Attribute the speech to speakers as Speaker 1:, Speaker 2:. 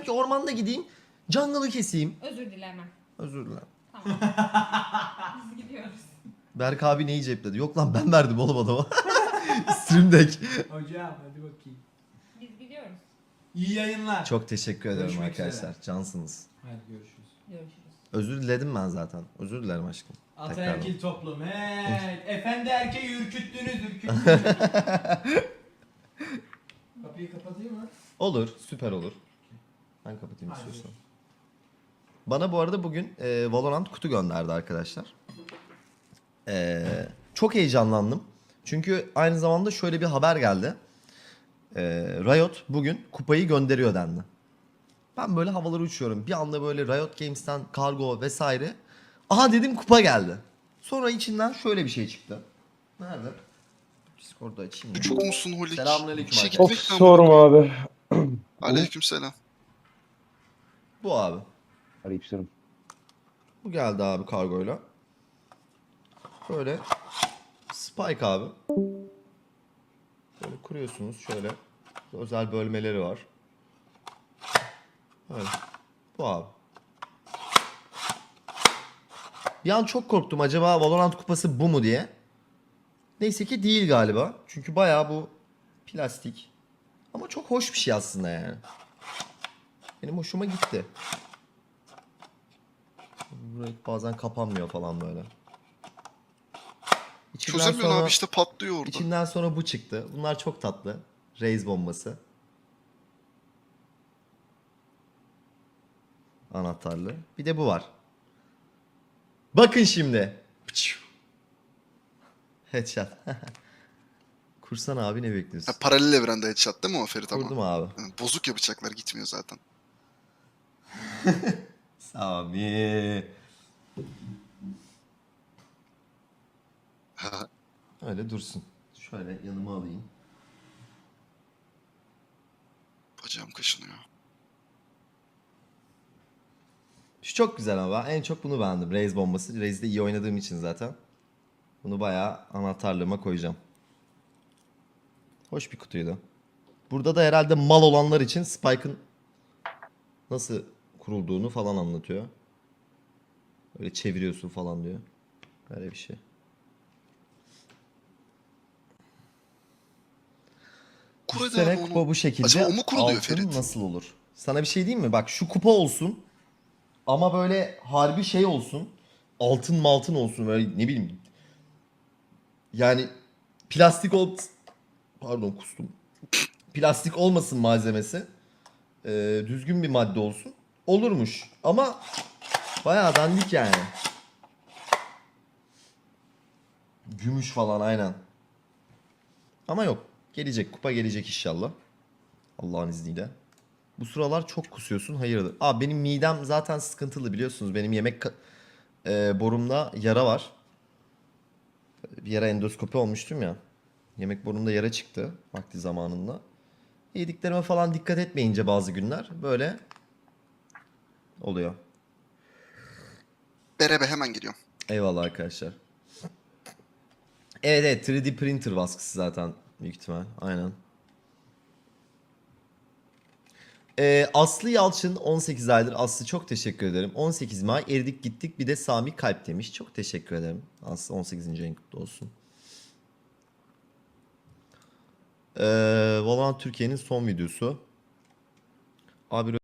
Speaker 1: Belki ormanda gideyim. Jungle'ı keseyim.
Speaker 2: Özür dilemem.
Speaker 1: Özür dilerim.
Speaker 2: Tamam. Biz gidiyoruz.
Speaker 1: Berk abi neyi cepledi? Yok lan ben verdim oğlum adama. Stream Deck.
Speaker 3: Hocam hadi bakayım.
Speaker 2: Biz gidiyoruz.
Speaker 3: İyi yayınlar.
Speaker 1: Çok teşekkür ederim
Speaker 3: Görüşmek
Speaker 1: arkadaşlar.
Speaker 3: üzere.
Speaker 1: Cansınız.
Speaker 3: Hadi görüşürüz.
Speaker 2: Görüşürüz.
Speaker 1: Özür diledim ben zaten. Özür dilerim aşkım.
Speaker 3: Ataerkil toplum. Hey, efendi erkeği ürküttünüz. Kapıyı kapatayım mı?
Speaker 1: Olur, süper olur. Ben kapatayım
Speaker 3: Hadi.
Speaker 1: istiyorsan. Bana bu arada bugün Valorant kutu gönderdi arkadaşlar. Çok heyecanlandım. Çünkü aynı zamanda şöyle bir haber geldi. Riot bugün kupayı gönderiyor dendi. Ben böyle havalara uçuyorum. Bir anda böyle Riot Games'ten kargo vesaire. Aha dedim kupa geldi. Sonra içinden şöyle bir şey çıktı. Nerede? Discord'da açayım ya.
Speaker 4: Çok musun Holik?
Speaker 1: Selamünaleyküm
Speaker 4: İşe
Speaker 1: arkadaşlar.
Speaker 5: Of
Speaker 4: gitmekten mi?
Speaker 5: sorma abi.
Speaker 4: Aleykümselam.
Speaker 1: Bu abi.
Speaker 5: Arayıp sorun.
Speaker 1: Bu geldi abi kargoyla. Böyle Spike abi. Böyle kuruyorsunuz şöyle. Özel bölmeleri var. Böyle. Bu abi. Bir an çok korktum acaba Valorant kupası bu mu diye. Neyse ki değil galiba. Çünkü bayağı bu plastik. Ama çok hoş bir şey aslında yani. Benim hoşuma gitti. Burası bazen kapanmıyor falan böyle. İçinden
Speaker 4: Çözemiyorsun
Speaker 1: sonra-
Speaker 4: abi işte patlıyor orada.
Speaker 1: İçinden sonra bu çıktı. Bunlar çok tatlı. Raze bombası. Anahtarlı. Bir de bu var. Bakın şimdi. Headshot. Kursan abi ne bekliyorsun?
Speaker 4: Ha, paralel evrende headshot değil mi o Ferit ama?
Speaker 1: Kurdum abi.
Speaker 4: Ha, bozuk ya bıçaklar gitmiyor zaten.
Speaker 1: Sami.
Speaker 4: Ha,
Speaker 1: Öyle dursun. Şöyle yanıma alayım.
Speaker 4: bacağım kaşınıyor.
Speaker 1: Şu çok güzel ama en çok bunu beğendim. Raze bombası. Raze'de iyi oynadığım için zaten. Bunu bayağı anahtarlığıma koyacağım. Hoş bir kutuydu. Burada da herhalde mal olanlar için Spike'ın nasıl kurulduğunu falan anlatıyor. Öyle çeviriyorsun falan diyor. Böyle bir şey.
Speaker 4: Kur
Speaker 1: Bu
Speaker 4: hadi
Speaker 1: sene
Speaker 4: abi
Speaker 1: kupa
Speaker 4: onu.
Speaker 1: bu şekilde.
Speaker 4: Acaba o mu kuruluyor
Speaker 1: Altın
Speaker 4: Ferit?
Speaker 1: nasıl olur? Sana bir şey diyeyim mi? Bak şu kupa olsun. Ama böyle harbi şey olsun. Altın maltın olsun. Böyle ne bileyim. Yani plastik Pardon kustum. Plastik olmasın malzemesi. Düzgün bir madde olsun. Olurmuş. Ama bayağı dandik yani. Gümüş falan aynen. Ama yok. Gelecek. Kupa gelecek inşallah. Allah'ın izniyle. Bu sıralar çok kusuyorsun. Hayırdır? Abi benim midem zaten sıkıntılı biliyorsunuz. Benim yemek borumda yara var. Bir yere endoskopi olmuştum ya. Yemek borumda yara çıktı vakti zamanında. Yediklerime falan dikkat etmeyince bazı günler böyle oluyor.
Speaker 4: Berebe hemen geliyorum.
Speaker 1: Eyvallah arkadaşlar. Evet evet 3D printer baskısı zaten büyük ihtimal. Aynen. Aslı Yalçın 18 aydır. Aslı çok teşekkür ederim. 18 May eridik gittik bir de Sami kalp demiş. Çok teşekkür ederim. Aslı 18. ayın kutlu olsun. Valorant Türkiye'nin son videosu. Abi